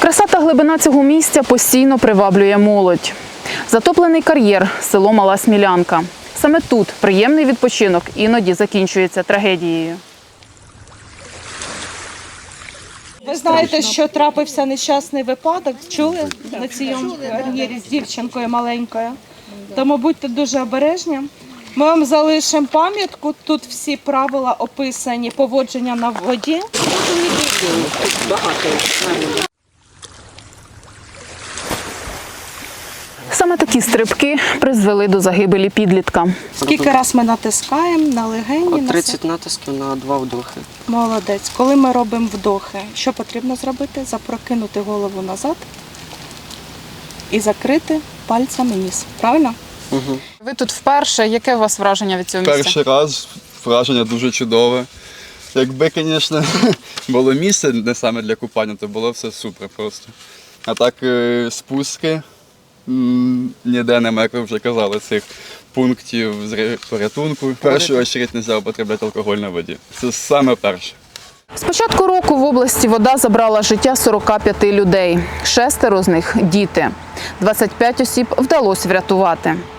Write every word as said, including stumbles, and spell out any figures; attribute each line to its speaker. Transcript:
Speaker 1: Краса та глибина цього місця постійно приваблює молодь. Затоплений кар'єр – село Мала Смілянка. Саме тут приємний відпочинок іноді закінчується трагедією.
Speaker 2: Ви знаєте, що трапився нещасний випадок, чули на цьому кар'єрі з дівчинкою маленькою? Тому будьте дуже обережні. Ми вам залишимо пам'ятку, тут всі правила описані, поводження на воді.
Speaker 1: Саме такі стрибки призвели до загибелі підлітка.
Speaker 2: Скільки раз ми натискаємо на легені? на
Speaker 3: тридцять натисків на два вдохи.
Speaker 2: Молодець. Коли ми робимо вдохи, що потрібно зробити? Запрокинути голову назад і закрити пальцями ніс. Правильно?
Speaker 3: Угу.
Speaker 1: Ви тут вперше. Яке у вас враження від цього місця?
Speaker 4: Перший раз враження дуже чудове. Якби, звісно, було місце не саме для купання, то було все супер просто. А так е, спуски м, ніде немає, як ви вже казали, цих пунктів з порятунку. В першу чергу не можна употребляти алкоголь на воді. Це саме перше.
Speaker 1: З початку року в області вода забрала життя сорока п'яти людей. Шестеро з них – діти. двадцять п'ять осіб вдалося врятувати.